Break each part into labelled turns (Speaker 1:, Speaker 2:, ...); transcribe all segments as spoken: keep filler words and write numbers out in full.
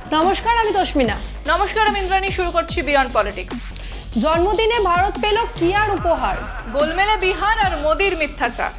Speaker 1: নমস্কার, আমি তস্মিনা।
Speaker 2: নমস্কার, আমি ইন্দ্রাণী। শুরু করছি বিয়ন্ড পলিটিক্স।
Speaker 1: জন্মদিনে ভারত পেল কি আর উপহার?
Speaker 2: গোলমেলে বিহার আর মোদির মিথ্যাচার।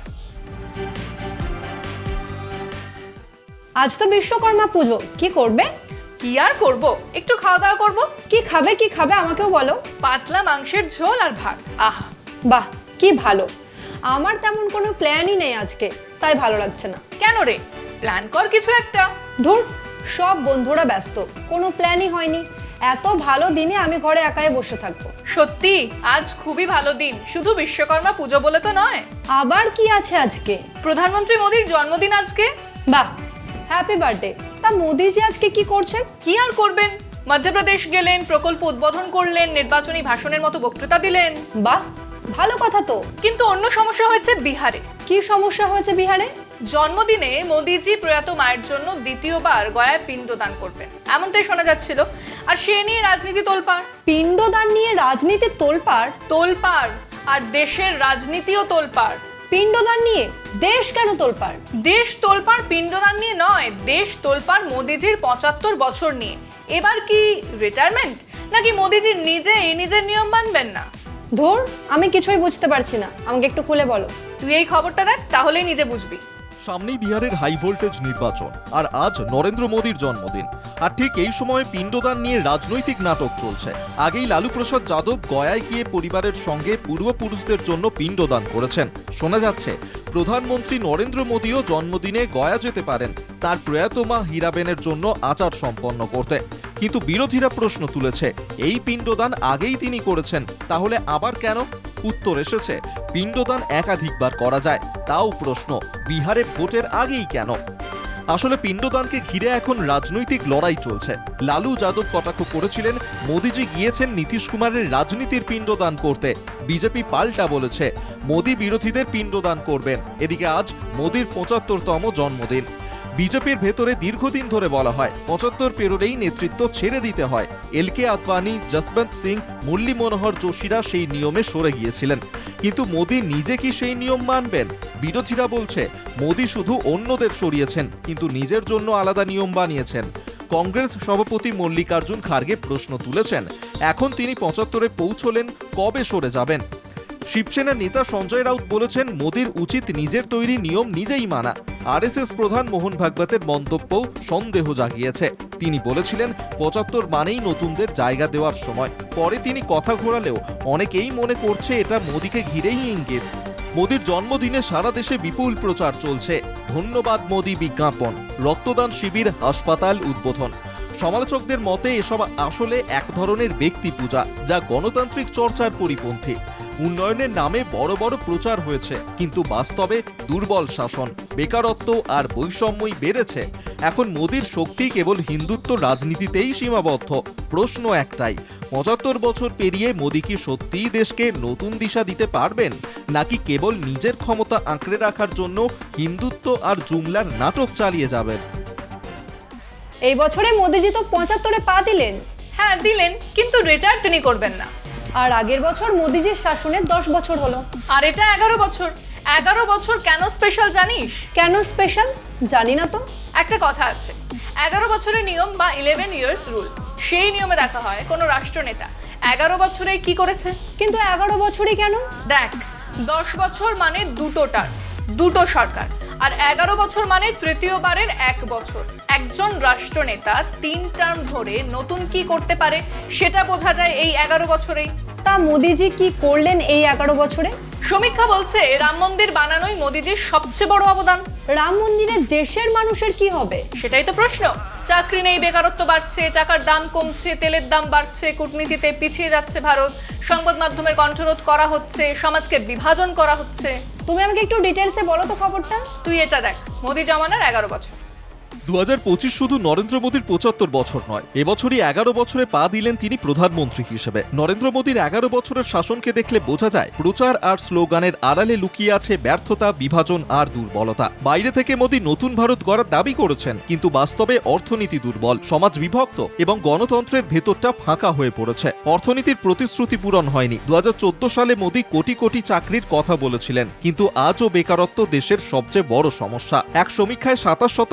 Speaker 1: আজ তো বিশ্বকর্মা পুজো, কি করবে?
Speaker 2: কি আর করব, একটু খাওয়া দাওয়া করব।
Speaker 1: কি খাবে কি খাবে আমাকেও বলো।
Speaker 2: পাতলা মাংসের ঝোল আর ভাত। আহা,
Speaker 1: বাহ, কি ভালো। আমার তেমন কোনো প্ল্যানই নেই আজকে, তাই ভালো লাগছে না।
Speaker 2: কেন রে? প্ল্যান কর কিছু একটা।
Speaker 1: ধুর, সব বন্ধুরা ব্যস্ত, কোনো প্ল্যানই হয়নি। এত ভালো দিনে আমি ঘরে একাই বসে থাকবো।
Speaker 2: সত্যি আজ খুবই ভালো দিন, শুধু বিশ্বকর্মা পুজো বলে তো নয়।
Speaker 1: আবার কি আছে আজকে?
Speaker 2: প্রধানমন্ত্রী মোদির জন্মদিন আজকে।
Speaker 1: বাহ, হ্যাপি বার্থডে। তা মোদিজি আজকে কি করছেন?
Speaker 2: কি আর করবেন, মধ্যপ্রদেশ গেলেন, প্রকল্প উদ্বোধন করলেন, নির্বাচনী ভাষণের মতো বক্তৃতা দিলেন।
Speaker 1: বাহ, ভালো কথা তো।
Speaker 2: কিন্তু অন্য সমস্যা হয়েছে বিহারে।
Speaker 1: কি সমস্যা হয়েছে বিহারে?
Speaker 2: জন্মদিনে মোদিজি প্রয়াত মায়ের জন্য দ্বিতীয়বার গয়ায় পিণ্ডদান করবেন, এমনটাই শোনা যাচ্ছিল। আর সে নিয়ে রাজনীতি তোলপাড়।
Speaker 1: পিণ্ডদান নিয়ে রাজনীতি তোলপাড়?
Speaker 2: তোলপাড়, আর দেশের রাজনীতিও তোলপাড়।
Speaker 1: পিণ্ডদান নিয়ে দেশ কেন তোলপাড়?
Speaker 2: দেশ তোলপাড় পিণ্ডদান নিয়ে নয়, দেশ তোলপাড় মোদিজির পঁচাত্তর বছর নিয়ে। এবার কি রিটায়ারমেন্ট, নাকি মোদিজি নিজে এই নিজের নিয়ম মানবেন না?
Speaker 1: ধুর, আমি কিছুই বুঝতে পারছি না, আমাকে একটু খুলে বলো।
Speaker 2: তুই এই খবরটা দেখ, তাহলেই নিজে বুঝবি।
Speaker 3: সামনেই বিহারের হাই ভোল্টেজ নির্বাচন, আর আজ নরেন্দ্র মোদীর জন্মদিন। আর ঠিক এই সময় পিণ্ডদান নিয়ে রাজনৈতিক নাটক চলছে। আগেই লালু প্রসাদ যাদব গয়ায় গিয়ে পরিবারের সঙ্গে পূর্বপুরুষদের জন্য পিণ্ডদান করেছেন। শোনা যাচ্ছে প্রধানমন্ত্রী নরেন্দ্র মোদীও জন্মদিনে গয়া যেতে পারেন তার প্রয়াত মা হীরাবেনের জন্য আচার সম্পন্ন করতে। কিন্তু বিরোধীরা প্রশ্ন তুলেছে, এই পিণ্ডদান আগেই তিনি করেছেন, তাহলে আবার কেন? উত্তর এসেছে, পিণ্ডদান একাধিকবার করা যায়, তাও প্রশ্ন বিহারে ভোটের আগেই কেন? আসলে পিণ্ডদানকে ঘিরে এখন রাজনৈতিক লড়াই চলছে। লালু যাদব কটাক্ষ করেছিলেন মোদিজি গিয়েছেন নীতিশ কুমারের রাজনীতির পিণ্ডদান করতে। বিজেপি পাল্টা বলেছে মোদি বিরোধীদের পিণ্ডদান করবেন। এদিকে আজ মোদির পঁচাত্তরতম জন্মদিন। বিজেপির ভেতরে দীর্ঘদিন ধরে বলা হয় পঁচাত্তর পেরোলেই নেতৃত্ব ছেড়ে দিতে হয়। এল কে আদবানি, যশবন্ত সিং, মুরলী মনোহর যোশীরা সেই নিয়মে সরে গিয়েছিলেন। কিন্তু মোদি নিজে কি সেই নিয়ম মানবেন? বিরোধীরা বলছে মোদি শুধু অন্যদের সরিয়েছেন, কিন্তু নিজের জন্য আলাদা নিয়ম বানিয়েছেন। কংগ্রেস সভাপতি মল্লিকার্জুন খার্গে প্রশ্ন তুলেছেন, এখন তিনি পঁচাত্তরে পৌঁছলেন, কবে সরে যাবেন? শিবসেনা নেতা সঞ্জয় রাউত বলেছেন মোদির উচিত নিজের তৈরি নিয়ম নিজেই মানা। আর এস এস প্রধান মোহন ভাগবতের মন্তব্যও সন্দেহ জাগিয়েছে। তিনি বলেছিলেন পঁচাত্তর মানেই নতুনদের জায়গা দেওয়ার সময়। পরে তিনি কথা ঘোরালেও অনেকেই মনে করছে এটা মোদিকে ঘিরেই ইঙ্গিত। মোদির জন্মদিনে সারা দেশে বিপুল প্রচার চলছে। ধন্যবাদ মোদি বিজ্ঞাপন, রক্তদান শিবির, হাসপাতাল উদ্বোধন। সমালোচকদের মতে এসব আসলে এক ধরনের ব্যক্তি পূজা, যা গণতান্ত্রিক চর্চার পরিপন্থী। উন্নয়নের নামে বড় বড় প্রচার হয়েছে, কিন্তু বাস্তবে দুর্বল শাসন, বেকারত্ব আর বৈষম্যই বেড়েছে। এখন মোদির শক্তি কেবল হিন্দুত্ব রাজনীতিতেই সীমাবদ্ধ। প্রশ্ন একটাই, পঁচাত্তর বছর পেরিয়ে মোদি কি সত্যিই দেশকে নতুন দিশা দিতে পারবেন, নাকি কেবল নিজের ক্ষমতা আঁকড়ে রাখার জন্য হিন্দুত্ব আর জুমলার নাটক চালিয়ে যাবেন?
Speaker 1: এই বছরে মোদিজি তো পঁচাত্তরে পা দিলেন।
Speaker 2: হ্যাঁ দিলেন, কিন্তু রিটায়ার তিনি করবেন না।
Speaker 1: আর আগের বছর মোদিজির শাসনে দশ বছর হলো।
Speaker 2: আর এটা এগারো বছর। এগারো বছর কেন স্পেশাল জানিস?
Speaker 1: কেন স্পেশাল জানি না তো।
Speaker 2: একটা কথা আছে, এগারো বছরের নিয়ম বা ইলেভেন ইয়ার্স রুল। সেই নিয়মে দেখা হয় কোনো রাষ্ট্রনেতা এগারো বছরে কি করেছে।
Speaker 1: কিন্তু এগারো বছরই কেন?
Speaker 2: দেখ, দশ বছর মানে দুটো টার্ম, দুটো সরকার। আর এগারো বছর মানে তৃতীয়বারের এক বছর। একজন রাষ্ট্রনেতা তিন টার্ম ধরে নতুন কি করতে পারে সেটা বোঝা যায় এই এগারো বছরেই।
Speaker 1: তা মোদিজি কি করলেন এই এগারো বছরে?
Speaker 2: সমীক্ষা বলছে রাম মন্দির বানানোই মোদিজির সবচেয়ে বড় অবদান।
Speaker 1: রাম মন্দিরে দেশের মানুষের কি হবে?
Speaker 2: সেটাই তো প্রশ্ন। চাকরি নেই, বেকারত্ব বাড়ছে, টাকার দাম কমছে, তেলের দাম বাড়ছে, কূটনীতিতে পিছিয়ে যাচ্ছে ভারত, সংবাদ মাধ্যমের কণ্ঠরোধ করা হচ্ছে, সমাজকে বিভাজন করা হচ্ছে।
Speaker 1: তুমি আমাকে একটু ডিটেলসে বলো তো খবরটা।
Speaker 2: তুই এটা দেখ, মোদি জমানার এগারো বছর।
Speaker 3: দু হাজার পঁচিশ শুধু নরেন্দ্র মোদীর পঁচাত্তর বছর নয়, এবছরই এগারো বছরে পা দিলেন তিনি প্রধানমন্ত্রী হিসেবে। নরেন্দ্র মোদীর এগারো বছরের শাসনকে দেখলে বোঝা যায় প্রচার আর স্লোগানের আড়ালে লুকিয়ে আছে ব্যর্থতা, বিভাজন আর দুর্বলতা। বাইরে থেকে মোদী নতুন ভারত গড়ার দাবি করেছেন, কিন্তু বাস্তবে অর্থনীতি দুর্বল, সমাজ বিভক্ত এবং গণতন্ত্রের ভেতরটা ফাঁকা হয়ে পড়েছে। অর্থনীতির প্রতিশ্রুতি পূরণ হয়নি। দু হাজার চোদ্দ সালে মোদী কোটি কোটি চাকরির কথা বলেছিলেন, কিন্তু আজও বেকারত্ব দেশের সবচেয়ে বড় সমস্যা। এক সমীক্ষায় সাতাশ শতাংশ মানুষ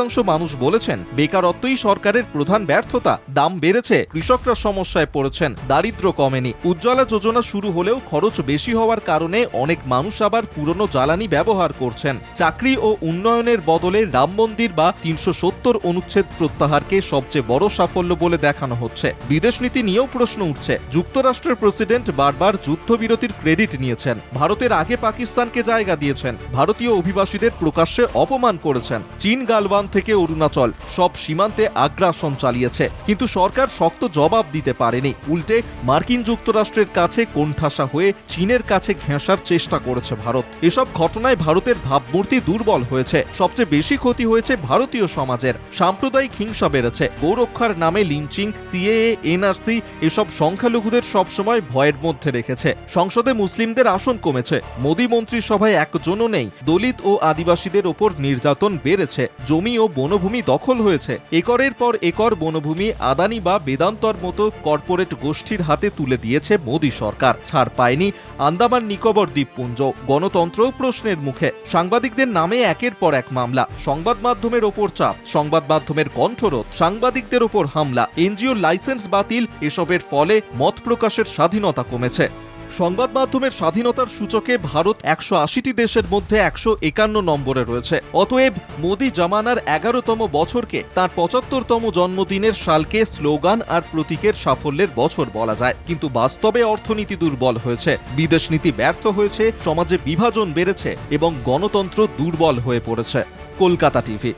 Speaker 3: মানুষ বলেছেন বেকারত্বই সরকারের প্রধান ব্যর্থতা। দাম বেড়েছে, কৃষকরা সমস্যায় পড়েছেন, দারিদ্র্য কমেনি। উজ্জ্বলা যোজনা শুরু হলেও খরচ বেশি হওয়ার কারণে অনেক মানুষ আবার পুরনো জ্বালানি ব্যবহার করছেন। চাকরি ও উন্নয়নের বদলে রাম মন্দির বা তিনশো সত্তর অনুচ্ছেদ প্রত্যাহারকে সবচেয়ে বড় সাফল্য বলে দেখানো হচ্ছে। বিদেশ নীতি নিয়েও প্রশ্ন উঠছে। যুক্তরাষ্ট্রের প্রেসিডেন্ট বারবার যুদ্ধবিরতির ক্রেডিট নিয়েছেন, ভারতের আগে পাকিস্তানকে জায়গা দিয়েছেন, ভারতীয় অভিবাসীদের প্রকাশ্যে অপমান করেছেন। চীন গালওয়ান থেকে অরুণাচল সব সীমান্তে আগ্রাসন চালিয়েছে, কিন্তু সরকার শক্ত জবাব দিতে পারেনি। উল্টে মার্কিন যুক্তরাষ্ট্রের কাছে কোণঠাসা হয়ে চীনের কাছে ঘেঁষার চেষ্টা করেছে ভারত। এসব ঘটনায় ভারতের ভাবমূর্তি দুর্বল হয়েছে। সবচেয়ে বেশি ক্ষতি হয়েছে ভারতীয় সমাজের। সাম্প্রদায়িক হিংসা বেড়েছে, গৌরক্ষার নামে লিঞ্চিং, সিএএ, এনআরসি এসব সংখ্যালঘুদের সবসময় ভয়ের মধ্যে রেখেছে। সংসদে মুসলিমদের আসন কমেছে, মোদী মন্ত্রিসভায় একজনও নেই। দলিত ও আদিবাসীদের ওপর নির্যাতন বেড়েছে, জমি ও বনভূমি দখল হয়েছে। একরের পর একর বনভূমি আদানি বা বেদান্তর মতো কর্পোরেট গোষ্ঠীর হাতে তুলে দিয়েছে মোদী সরকার। ছাড় পায়নি আন্দামান নিকোবর দ্বীপপুঞ্জ, গণতন্ত্রও প্রশ্নের মুখে। সাংবাদিকদের নামে একের পর এক মামলা, সংবাদ মাধ্যমের ওপর চাপ, সংবাদ মাধ্যমের কণ্ঠরোধ, সাংবাদিকদের ওপর হামলা, এনজিও লাইসেন্স বাতিল। এসবের ফলে মত প্রকাশের স্বাধীনতা কমেছে। সংবাদ মাধ্যমের স্বাধীনতার সূচকে ভারত একশো আশিটি দেশের মধ্যে একশো একান্ন নম্বরে রয়েছে। অতএব মোদী জামানার এগারোতম বছরকে তার পঁচাত্তরতম জন্মদিনের সালকে স্লোগান আর প্রতীকের সাফল্যের বছর বলা যায়। কিন্তু বাস্তবে অর্থনীতি দুর্বল হয়েছে, বিদেশ নীতি ব্যর্থ হয়েছে, সমাজে বিভাজন বেড়েছে এবং গণতন্ত্র দুর্বল হয়ে পড়েছে। কলকাতা টিভি।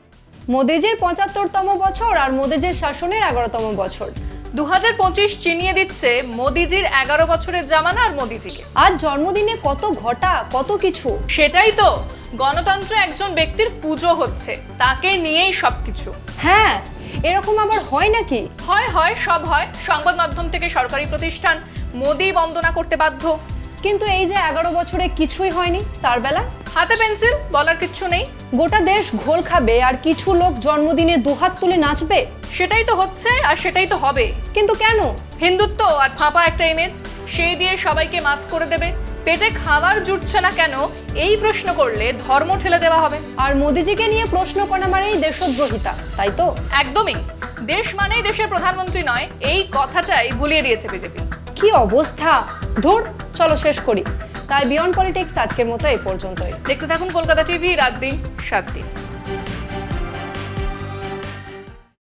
Speaker 1: মোদিজির পঁচাত্তরতম বছর আর মোদিজির শাসনের এগারোতম বছর।
Speaker 2: দু হাজার পঁচিশ চিনিয়ে দিচ্ছে মোদিজির এগারো বছরের জামানা আর মোদিজিকে।
Speaker 1: আজ জন্মদিনে কত ঘটা, কত কিছু।
Speaker 2: সেটাই তো, গণতন্ত্র একজন ব্যক্তির পুজো হচ্ছে, তাকে নিয়েই সবকিছু।
Speaker 1: হ্যাঁ, এরকম আবার হয় নাকি?
Speaker 2: হয় হয় সব হয়। সংবাদ মাধ্যম থেকে সরকারি প্রতিষ্ঠান মোদি বন্দনা করতে বাধ্য।
Speaker 1: কিন্তু এই যে এগারো বছরে কিছুই হয়নি, তার বেলা
Speaker 2: হাতে পেন্সিল, বলার কিচ্ছু নেই।
Speaker 1: গোটা দেশ ঘোল খাবে আর কিছু লোক জন্মদিনে দুহাত তুলে নাচবে।
Speaker 2: সেটাই তো হচ্ছে আর সেটাই তো হবে।
Speaker 1: কিন্তু কেন?
Speaker 2: হিন্দুত্ব আর ফাঁপা একটা ইমেজ, সেই দিয়ে সবাইকে মাত করে দেবে। পেটে খাবার জুটছে না কেন এই প্রশ্ন করলে ধর্ম ঠেলে দেওয়া হবে।
Speaker 1: আর মোদিজিকে নিয়ে প্রশ্ন করা মানেই দেশদ্রোহিতা, তাই তো?
Speaker 2: একদমই। দেশ মানেই দেশের প্রধানমন্ত্রী নয়, এই কথাটাই ভুলিয়ে দিয়েছে বিজেপি।
Speaker 1: কি অবস্থা! ধুর, চলো শেষ করি। তাই বিয়ন্ড পলিটিক্স আজকের মতো এই পর্যন্তই।
Speaker 2: দেখতে থাকুন কলকাতা টিভি, রাত দিন সাত দিন।